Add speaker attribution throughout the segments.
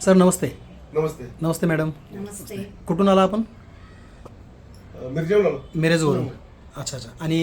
Speaker 1: Sir नमस्ते.
Speaker 2: नमस्ते.
Speaker 1: नमस्ते madam.
Speaker 3: नमस्ते.
Speaker 1: कुठून आला आपण?
Speaker 2: मिरजेहून आलो.
Speaker 1: मिरजवरून. अच्छा अच्छा. आणि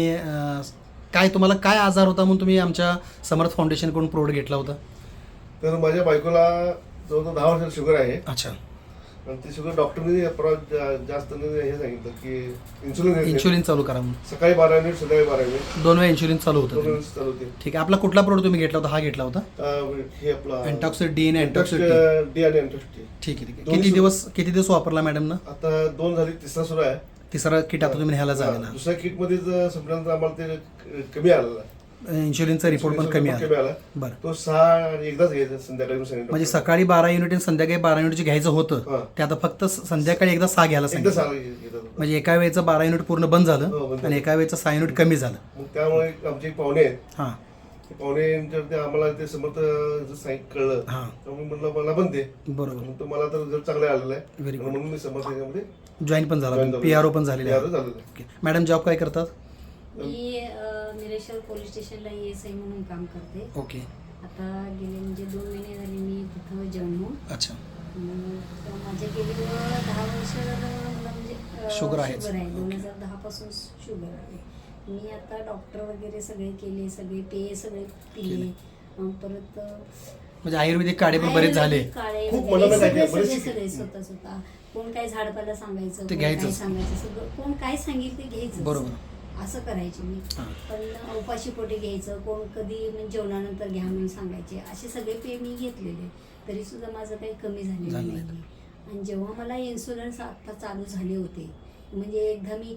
Speaker 1: काय तुम्हाला काय आजार होता म्हणून तुम्ही आमच्या समर्थ फाउंडेशनकडून प्रोडक्ट घेतला होता?
Speaker 2: तर माझ्या बायकोला जवळजवळ 10 वर्षाची शुगर आहे.
Speaker 1: अच्छा.
Speaker 2: आणि ती शुगर डॉक्टरने जास्त हे सांगितलं की
Speaker 1: इन्शुलिन चालू करा म्हणून.
Speaker 2: सकाळी 12 मिनिट संध्याकाळी 12 मिनिट
Speaker 1: 2 वेळा इन्शुलिन चालू
Speaker 2: 2
Speaker 1: होतं.
Speaker 2: मिनिट चालू होते.
Speaker 1: ठीक आहे. आपला कुठला प्रोडक्ट तुम्ही घेतला होता? हा घेतला होता
Speaker 2: हे आपला
Speaker 1: अँटॉक्सिड डी आणि अँटॉक्सिड
Speaker 2: डी आणि अँटॉक्सिड.
Speaker 1: ठीक आहे ठीक आहे. किती दिवस वापरला मॅडम ना?
Speaker 2: आता 2 झाली, तिसरा सुरू आहे.
Speaker 1: तिसरा किट आता तुम्ही न्यायला जायला.
Speaker 2: दुसऱ्या किटमध्ये संपल्यानंतर आम्हाला ते कमी आलेला.
Speaker 1: इन्शुलिनचा रिपोर्ट पण कमी आला. बरं.
Speaker 2: तो 6 आणि एकदाच घ्यायचा संध्याकाळी
Speaker 1: म्हणजे सकाळी 12 युनिट आणि संध्याकाळी 12 युनिटचे घ्यायचं होतं ते आता फक्त संध्याकाळी एकदा 6 घ्यायला सांगितलं. म्हणजे एका वेळेचं 12 युनिट पूर्ण बंद झालं आणि एका वेळेचं 6 युनिट कमी झालं.
Speaker 2: मग त्यामुळे आमचे एक पाहुणे आहेत.
Speaker 1: हां.
Speaker 2: पाहुणे आम्हाला ते समर्थ कळलं. त्यामुळे म्हणलं मला पण दे.
Speaker 1: बरोबर.
Speaker 2: तो मला तर रिझल्ट चांगला आलेला आहे.
Speaker 1: Very good.
Speaker 2: म्हणून मी समर्थ याच्यामध्ये
Speaker 1: जॉईन पण झाला, PRO पण झालेले आहे. मॅडम जॉब काय करतात?
Speaker 3: मी निरेश्वर पोलीस स्टेशनला ESI म्हणून काम करते.
Speaker 1: ओके.
Speaker 3: आता गेले म्हणजे 2 महिने झाले मी तिथं जॉईन होऊन.
Speaker 1: अच्छा.
Speaker 3: माझे गेली 10 वर्ष मला म्हणजे
Speaker 1: शुगर आहे.
Speaker 3: 2010 पासून शुगर आहे. मी आता डॉक्टर वगैरे सगळे केले, सगळे पेय सगळे पिले. परत
Speaker 1: म्हणजे आयुर्वेदिक काढे पण बरेच झाले.
Speaker 3: काढे
Speaker 2: खूप
Speaker 3: वगैरे
Speaker 2: मनाला
Speaker 3: सगळे स्वतः कोण काय झाडपाला सांगायचं,
Speaker 1: ते
Speaker 3: कोण काय
Speaker 1: घ्यायचं.
Speaker 3: सांगायचं, सगळं कोण काय सांगेल ते घ्यायचं.
Speaker 1: बरोबर.
Speaker 3: असं करायचे मी. पण उपाशी पोटी घ्यायचं, कोण कधी म्हणजे जेवणानंतर घ्या म्हणून सांगायचे. असे सगळे पेय मी घेतलेले, तरी सुद्धा माझं काही कमी झालेलं नाही. आणि जेव्हा मला इन्शुरन्स आत्ता चालू झाले होते, म्हणजे एकदा मी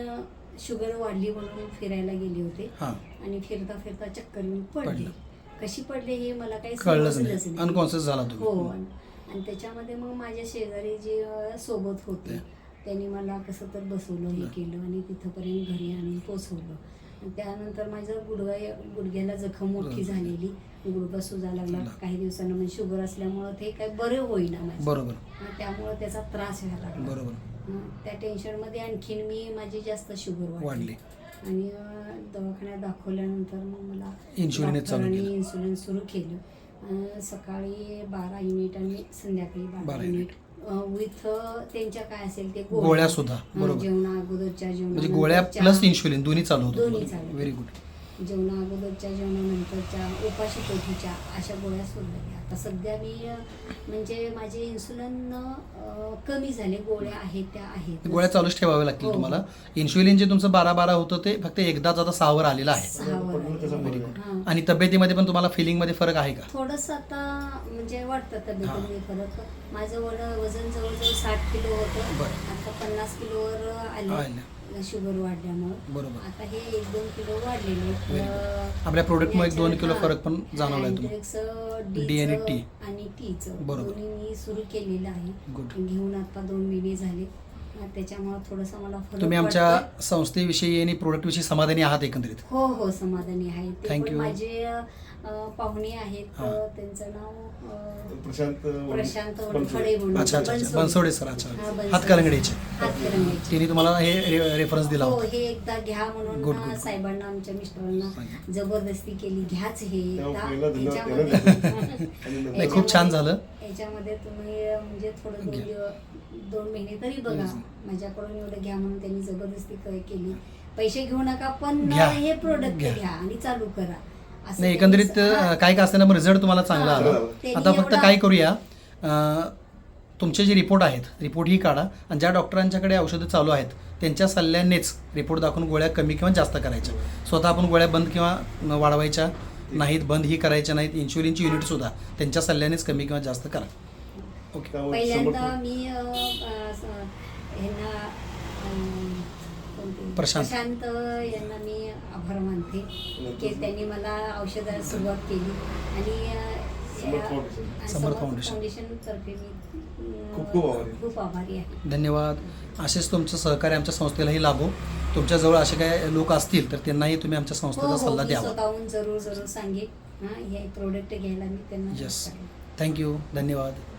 Speaker 3: शुगर वाढली म्हणून फिरायला गेले होते आणि फिरता फिरता चक्कर येऊन पडले. कशी पडले हे मला काही
Speaker 1: कळलंच नाही, अनकॉन्शियस झाला तुम्ही.
Speaker 3: हो. आणि त्याच्यामध्ये मग माझ्या शेजारी जे सोबत होते त्यांनी मला कसं तर बसवलं, हे केलं आणि तिथंपर्यंत घरी आणून पोचवलं. आणि त्यानंतर माझं गुडघ्याला जखम मोठी झालेली, गुडघा सुजा लागला काही दिवसांना. म्हणजे शुगर असल्यामुळं ते काही बरं होईना माझं.
Speaker 1: बरोबर.
Speaker 3: त्यामुळं त्याचा त्रास व्हायला लागला.
Speaker 1: बरोबर.
Speaker 3: त्या टेन्शनमध्ये आणखीन मी माझी जास्त शुगर वाढली आणि दवाखान्यात दाखवल्यानंतर मग मला इन्शुलिन सुरू केलं. सकाळी 12 युनिट आणि संध्याकाळी 12 युनिट विथ त्यांच्या काय असेल ते
Speaker 1: गोळ्या सुद्धा.
Speaker 3: जेवणा अगोदरच्या
Speaker 1: म्हणजे गोळ्या प्लस इन्शुलिन दोन्ही चालू होतं.
Speaker 3: दोन्ही चालू.
Speaker 1: Very good.
Speaker 3: जेवणा अगोदरच्या जेवणानंतरच्या उपाशी पोटीच्या अशा गोळ्या सोडल्या. आता सध्या मी म्हणजे माझे इन्सुलिन कमी झाले, गोळ्या आहेत त्या आहेत.
Speaker 1: गोळ्या चालूच ठेवाव्या लागतील तुम्हाला. इन्शुलिन जे तुमचं 12 होतं ते फक्त एकदाच आता 6 वर आलेलं आहे.
Speaker 3: 6 वर.
Speaker 1: आणि तब्येतीमध्ये पण तुम्हाला फिलिंग मध्ये फरक आहे का?
Speaker 3: थोडंसं आता म्हणजे वाटतं तब्येतीमध्ये फरक. माझं वजन जवळजवळ 60 किलो होतं, आता 50 किलोवर आले शुगर वाढल्यामुळे.
Speaker 1: बरोबर.
Speaker 3: आता हे 1-2 किलो वाढलेले.
Speaker 1: आपल्या प्रोडक्टमुळे 1-2 किलो फरक पण जाणवलाय तुम्हाला. डी आणि टी
Speaker 3: आणि टीचं
Speaker 1: बरोबर
Speaker 3: मी सुरू केलेलं आहे. घेऊन आता 2 महिने झाले. त्याच्यामुळे थोडंसं मला फरक.
Speaker 1: तुम्ही आमच्या संस्थेविषयी आणि प्रोडक्ट विषयी समाधानी आहात एकंदरीत?
Speaker 3: हो हो, समाधानी आहे.
Speaker 1: थँक्यू.
Speaker 3: माझे पाहुणे आहेत, त्यांचं नाव प्रशांत वनखडे म्हणून.
Speaker 1: अच्छा अच्छा. बनसोडे सर. अच्छा. हातकलंगडीचे. तिने तुम्हाला हे रेफरन्स दिला
Speaker 3: हो. हे एकदा घ्या म्हणून साहेबांना, आमच्या मिस्टरांना जबरदस्ती केली, घ्याच हे
Speaker 1: नाही, खूप छान झालं.
Speaker 3: याच्यामध्ये तुम्ही म्हणजे थोडं 2 महिने तरी बघा, माझ्याकडून एवढं घ्या म्हणून त्यांनी जबरदस्ती केली. पैसे घेऊ नका पण हे प्रोडक्ट घ्या आणि चालू करा.
Speaker 1: नाही, एकंदरीत काय का असताना रिझल्ट तुम्हाला चांगला आला. आता फक्त काय करूया, तुमचे जे रिपोर्ट आहेत रिपोर्ट ही काढा आणि ज्या डॉक्टरांच्याकडे औषधं चालू आहेत त्यांच्या सल्ल्यानेच रिपोर्ट दाखवून गोळ्या कमी किंवा जास्त करायच्या. स्वतः आपण गोळ्या बंद किंवा वाढवायच्या नाहीत, बंद ही करायच्या नाहीत. इन्शुलिनची युनिट सुद्धा त्यांच्या सल्ल्यानेच कमी किंवा जास्त करा.
Speaker 3: ओके. पहिल्यांदा मी प्रशांत यांना मी आभार मानते की त्यांनी मला औषधाला सुरुवात केली आणि समर्थ फाउंडेशन तर्फे मी खूप आभारी आहे.
Speaker 1: धन्यवाद. असेच तुमचं सहकार्य आमच्या संस्थेलाही लाभो. तुमच्याजवळ असे काही लोक असतील तर त्यांनाही तुम्ही आमच्या संस्थेचा सल्ला द्यावा.
Speaker 3: स्वतःहून जरूर सांगेन हे प्रोडक्ट घ्यायला मी त्यांना.
Speaker 1: येस. थँक्यू. धन्यवाद.